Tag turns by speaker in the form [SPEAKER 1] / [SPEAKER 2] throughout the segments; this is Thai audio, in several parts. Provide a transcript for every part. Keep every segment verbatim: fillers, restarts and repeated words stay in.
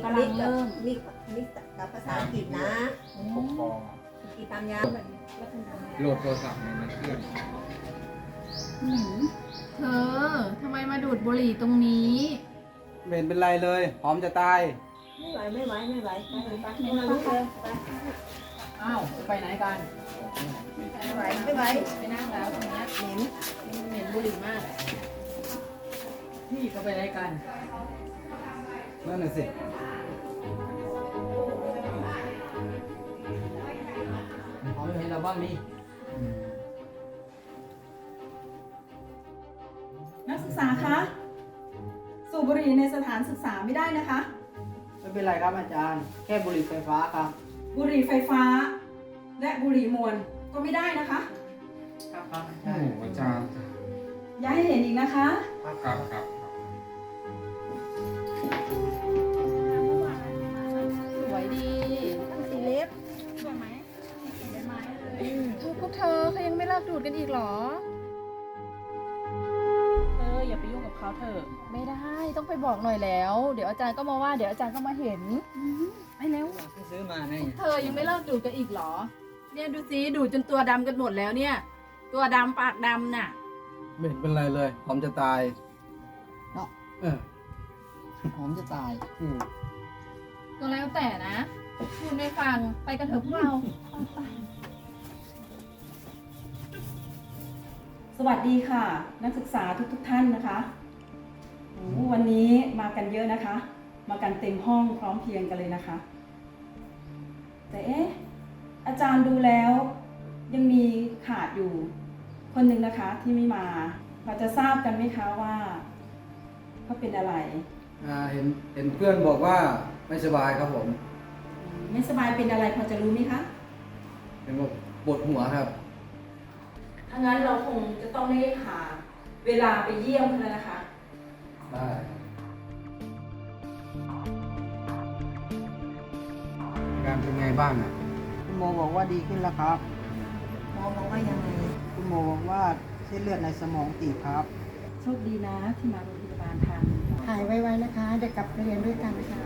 [SPEAKER 1] กำลังเริ่ม
[SPEAKER 2] มิกมิกกับภาษาอังกฤษนะ
[SPEAKER 3] ปกครอง
[SPEAKER 2] กีตามยาแบบ
[SPEAKER 3] โหลดโทรศัพท์ในนั้นเครื่อง
[SPEAKER 1] หืมเธอทำไมมาดูดบุหรี่ตรงนี้
[SPEAKER 4] ไม่เห็นเป็นไรเลยหอมจะตาย
[SPEAKER 2] ไม่ไหวไม่ไหวไม่ไหวไปไปไปไปลูกเลยไป
[SPEAKER 5] อ้าวไปไหนกัน
[SPEAKER 2] ไม่ไหวไม่ไหว
[SPEAKER 1] ไปนั่งแล้วตรงเนี้ย
[SPEAKER 2] เหม็น
[SPEAKER 1] เหม็นบุหรี่มาก
[SPEAKER 5] พี่ก็ไปไหนกัน
[SPEAKER 4] นั่นน่ะสิ
[SPEAKER 5] หอมเห็นเราบ้างนี่
[SPEAKER 6] นักศึกษาคะสูบบุหรี่ในสถานศึกษาไม่ได้นะคะ
[SPEAKER 5] ไม่เป็นไรครับอาจารย์ แค่บุหรี่ไฟฟ้าครับ
[SPEAKER 6] บุหรี่ไฟฟ้า และบุหรี่มวลก็ไม่ได้นะคะ
[SPEAKER 5] ครับครับอา
[SPEAKER 3] โอ้
[SPEAKER 5] จาร
[SPEAKER 3] โห
[SPEAKER 5] ย์
[SPEAKER 3] อาจารย์
[SPEAKER 6] อย่าให้เห็นอีกนะคะ
[SPEAKER 3] ครับครับครับ
[SPEAKER 1] สวยดี
[SPEAKER 2] สีเล็บ
[SPEAKER 1] สวยไหมเธอพวกเธอเขายังไม่เลิกดูดกันอีกเหรอ
[SPEAKER 7] เธออย่าไปยุ่งกับเขาเถอะ
[SPEAKER 1] ไม่ได้ต้องไปบอกหน่อยแล้ว เดี๋ยวอาจารย์ก็มาว่าเดี๋ยวอาจารย์ก็มาเห็นไปเร็ว
[SPEAKER 5] ที่ซื้อมาไง
[SPEAKER 1] เธอยังไม่เลิกดูดกันอีกเหรอ เนี่ยดูสิดูดจนตัวดำกันหมดแล้วเนี่ย ตัวดำปากดำน่ะ
[SPEAKER 4] ไม่เห็นเป็นไรเลยหอมจะตาย
[SPEAKER 5] เนาะ
[SPEAKER 4] เออ
[SPEAKER 5] หอมจะตาย
[SPEAKER 4] อืม
[SPEAKER 1] ก็แล้วแต่นะคุณไม่ฟังไปกันเถอะพวกเรา
[SPEAKER 6] สวัสดีค่ะ นักศึกษาทุกๆทท่านนะคะโอ้วันนี้มากันเยอะนะคะ มากันเต็มห้องพร้อมเพรียงกันเลยนะคะ แต่เอ๊ะอาจารย์ดูแล้วยังมีขาดอยู่คนหนึ่งนะคะที่ไม่มาพอจะทราบกันไหมคะว่าเขาเป็นอะไร
[SPEAKER 4] อ่าเห็นเห็นเพื่อนบอกว่าไม่สบายครับผม
[SPEAKER 6] ไม่สบายเป็นอะไรพอจะรู้ไหมคะ
[SPEAKER 4] เป็นบอกปวดหัวครับ
[SPEAKER 6] ถ้างั้นเราคงจะต้องได้หาเวลาไปเยี่ยมเขาแล้วนะคะ
[SPEAKER 4] ได้การเป็นไงบ้างอ่ะ
[SPEAKER 5] คุณโมบอกว่าดีขึ้นแล้วครับ
[SPEAKER 2] หมอบอกว่ายังไง
[SPEAKER 5] คุณโมบอกว่าเส้นเลือดในสมองตีบครับ
[SPEAKER 6] โชคดีนะที่มาโรงพยาบาลทัน
[SPEAKER 2] หายไวๆนะคะเดี๋ยวกลับไปเรียนด้วยกันนะคะ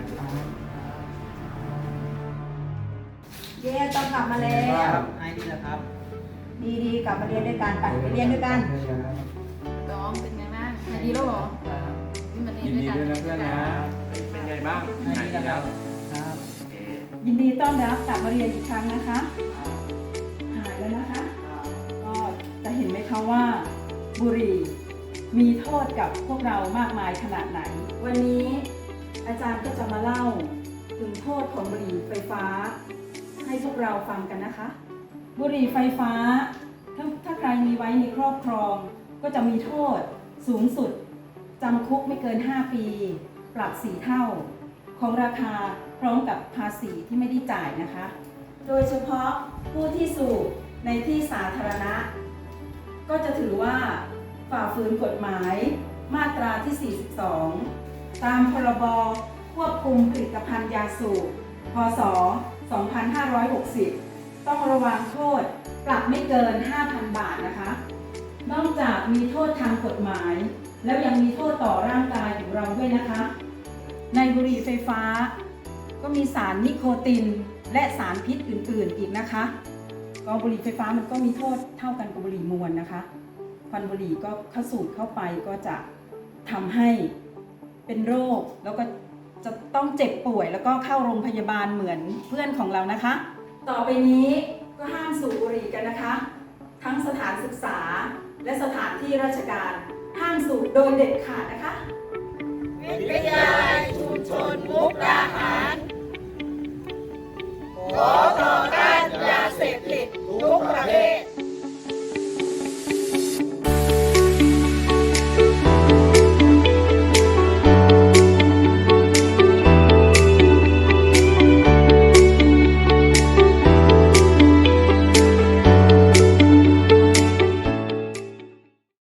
[SPEAKER 2] เย้ต้องกลับมาแล้ว
[SPEAKER 5] ไอ้นี่แหละครับ
[SPEAKER 2] ดีๆกลับมาเรียนด้วยกันไปไปเรียนด้วยกัน
[SPEAKER 1] น้องเป็นไงบ้างหายดีแล้วเหรอนี่มาเรียน
[SPEAKER 3] ยิน
[SPEAKER 1] ด้วย
[SPEAKER 3] ดี
[SPEAKER 1] กัน
[SPEAKER 3] ด้วยนะเพื่อนนะ เป็นไงบ้างหายดีแล้ว
[SPEAKER 5] ครับ
[SPEAKER 6] ยินดีต้อนรับกลับมาเรียนอีกครั้งนะคะ หายแล้วนะคะ ก็จะเห็นไหมคะว่าบุหรี่มีโทษกับพวกเรามากมายขนาดไหน วันนี้อาจารย์ก็จะมาเล่าถึงโทษของบุหรี่ไฟฟ้า ให้พวกเราฟังกันนะคะ บุหรี่ไฟฟ้าถ้าถ้าใครมีไว้ในครอบครอง ก็จะมีโทษสูงสุดจำคุกไม่เกินห้าปี ปรับสี่เท่า ของราคาพร้อมกับภาษีที่ไม่ได้จ่ายนะคะ โดยเฉพาะผู้ที่สูบในที่สาธารณะ ก็จะถือว่าฝ่าฝืนกฎหมายมาตราที่ สี่สิบสอง ตามพรบควบคุมผลิตภัณฑ์ยาสูบ พ.ศ. สองพันห้าร้อยหกสิบ ต้องระวังโทษปรับไม่เกิน ห้าพัน บาทนะคะ นอกจากมีโทษทางกฎหมาย แล้วยังมีโทษต่อร่างกายของเราด้วยนะคะ ในบุหรี่ไฟฟ้าก็มีสารนิโคตินและสารพิษอื่นๆอีกนะคะก็บุหรี่ไฟฟ้ามันก็มีโทษเท่ากันกับบุหรี่มวลนะคะควันบุหรี่ก็เข้าสูดเข้าไปก็จะทำให้เป็นโรคแล้วก็จะต้องเจ็บป่วยแล้วก็เข้าโรงพยาบาลเหมือนเพื่อนของเรานะคะ ต่อไปนี้ก็ห้ามสูบบุหรี่กันนะคะ ทั้งสถานศึกษาและสถานที่ราชการห้ามสูบโดยเด็ดขาดนะคะ
[SPEAKER 2] วิทยาลัยชุมชนมุกดาหารขอต่อต้านยาเสพติดทุกประเภท